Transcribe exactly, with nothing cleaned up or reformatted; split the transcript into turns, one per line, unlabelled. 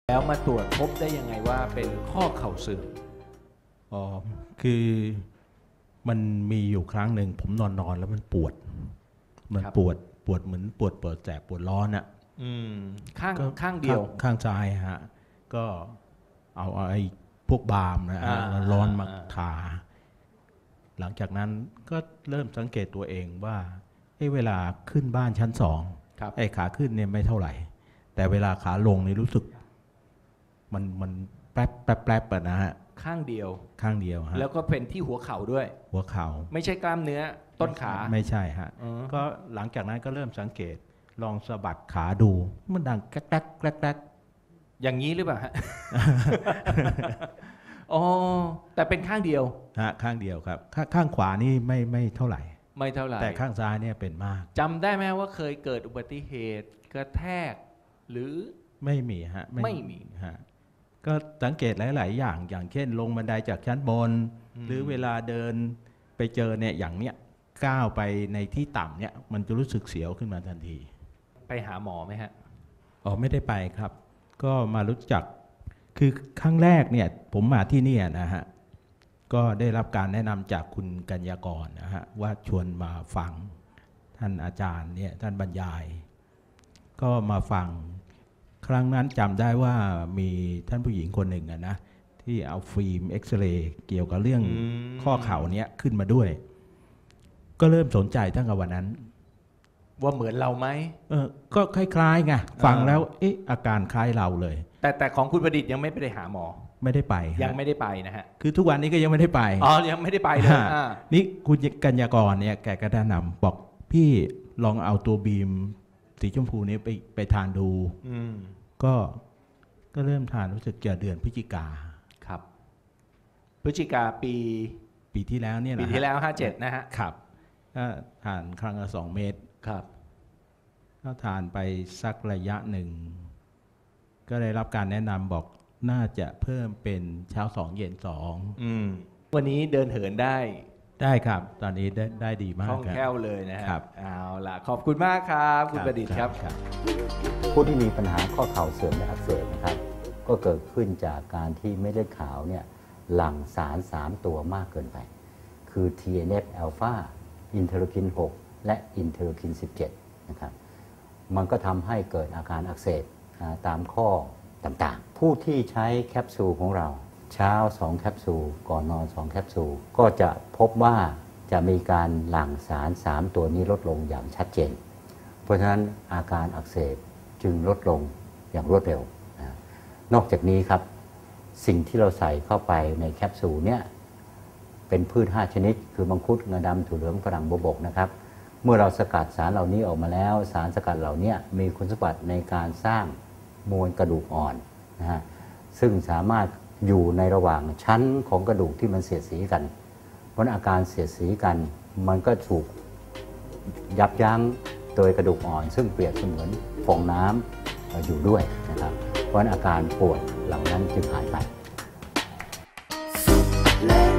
แล้วมาตรวจพบได้ยังไงว่าเป็นข้อเข่าเสื่อม
อ๋อคือมันมีอยู่ครั้งหนึ่งผมนอนนอนแล้วมันปวดมันปวดปวดเหมือนปวดปวดแสบปวดร้อนอ่ะ
อืมข้างข้างเดียว
ข้างซ้ายฮะก็เอาไอ้พวกบาล์มนะฮะร้อนมาทาหลังจากนั้นก็เริ่มสังเกตตัวเองว่าไอ้เวลาขึ้นบ้านชั้นสองไอ้ขาขึ้นเนี่ยไม่เท่าไหร่แต่เวลาขาลงนี่รู้สึกมันมันแป๊บแป๊บแป๊บนะฮะ
ข้างเดียว
ข้างเดียวฮะ
แล้วก็เป็นที่หัวเข่าด้วย
หัวเข่า
ไม่ใช่กล้ามเนื้อต้นขา
ไม่ใช่ฮะก็หลังจากนั้นก็เริ่มสังเกตลองสะบัดขาดูมันดังแกรกแกรกแกรกแกรก
อย่างนี้หรือเปล่าฮะ อ๋อแต่เป็นข้างเดียว
ฮะข้างเดียวครับข้างขวานี่ไม่ไม่เท่าไหร่
ไม่เท่าไหร่
แต่ข้างซ้ายเนี่ยเป็นมาก
จำได้ไหมว่าเคยเกิดอุบัติเหตุกระแทกหรือ
ไม่มีฮะ
ไม่มี
ฮะก็สังเกตหลายๆอย่างอย่างเช่นลงบันไดจากชั้นบนหรือเวลาเดินไปเจอเนี่ยอย่างเนี้ยก้าวไปในที่ต่ำเนี่ยมันจะรู้สึกเสียวขึ้นมาทันที
ไปหาหมอไหมฮะ
อ๋อไม่ได้ไปครับก็มารู้จักคือครั้งแรกเนี่ยผมมาที่นี่นะฮะก็ได้รับการแนะนำจากคุณกัญญากรนะฮะว่าชวนมาฟังท่านอาจารย์เนี่ยท่านบรรยายก็มาฟังครั้งนั้นจำได้ว่ามีท่านผู้หญิงคนหนึ่งนะที่เอาฟิล์มเอ็กซเรย์เกี่ยวกับเรื่องข้อเข่าเนี้ยขึ้นมาด้วยก็เริ่มสนใจตั้งแต่วันนั้น
ว่าเหมือนเราไหม
เออก็คล้ายๆไงฟังแล้วเอ๊ะอาการคล้ายเราเลย
แต่แต่ของคุณประดิษฐ์ยังไม่ไปหาหมอ
ไม่ได้ไป
ยังไม่ได้ไปนะฮะ
คือทุกวันนี้ก็ยังไม่ได้ไป
อ๋อยังไม่ได้ไปเลย
นี่คุณกัญญากรเนี่ยแกก็แนะนำบอกพี่ลองเอาตัวบีมสีชมพูนี้ไปไปทานดูก็ก็เริ่มทานรู้สึกจะเดือนพฤศจิกา
ครับพฤศจิกาปี
ปีที่แล้วเนี่ยนะ
ปีที่แล้วห้าเจ็ดนะฮะ
ครับก็ทานครั้งละสองเม็ด
ครับ
ก็ทานไปสักระยะหนึ่งก็ได้รับการแนะนำบอกน่าจะเพิ่มเป็นเช้าสองเย็นสอง
วันนี้เดินเหินได้
ได้ครับตอนนี้ได้ได้ดีมากคล่
องแคล่วเลยนะฮะ
ครับ
เอาล่ะขอบคุณมากครับคุณประดิษฐ์ครับ
ผู้ที่มีปัญหาข้อเข่าเสื่อมและอักเสบนะครับก็เกิดขึ้นจากการที่เม็ดเลือดขาวเนี่ยหลั่งสารสามตัวมากเกินไปคือ ที เอ็น เอฟ อลฟา อินเทอร์ลูคินหกและอินเทอร์ลูคินสิบเจ็ดนะครับมันก็ทำให้เกิดอาการอักเสบตามข้อต่างๆผู้ที่ใช้แคปซูลของเราเช้าสองแคปซูลก่อนนอนสองแคปซูลก็จะพบว่าจะมีการหลั่งสารสามตัวนี้ลดลงอย่างชัดเจนเพราะฉะนั้นอาการอักเสบจึงลดลงอย่างรวดเร็วนะนอกจากนี้ครับสิ่งที่เราใส่เข้าไปในแคปซูลเนี่ยเป็นพืชห้าชนิดคือมังคุดงาดำถั่วเหลืองฝรั่งบวบกนะครับเมื่อเราสกัดสารเหล่านี้ออกมาแล้วสารสกัดเหล่านี้มีคุณสมบัติในการสร้างมวลกระดูกอ่อนนะฮะซึ่งสามารถอยู่ในระหว่างชั้นของกระดูกที่มันเสียดสีกันเพราะอาการเสียดสีกันมันก็ถูกยับยั้งโดยกระดูกอ่อนซึ่งเปรียบเสมือนฟองน้ำอยู่ด้วยนะครับเพราะอาการปวดเหล่านั้นจึงหายไป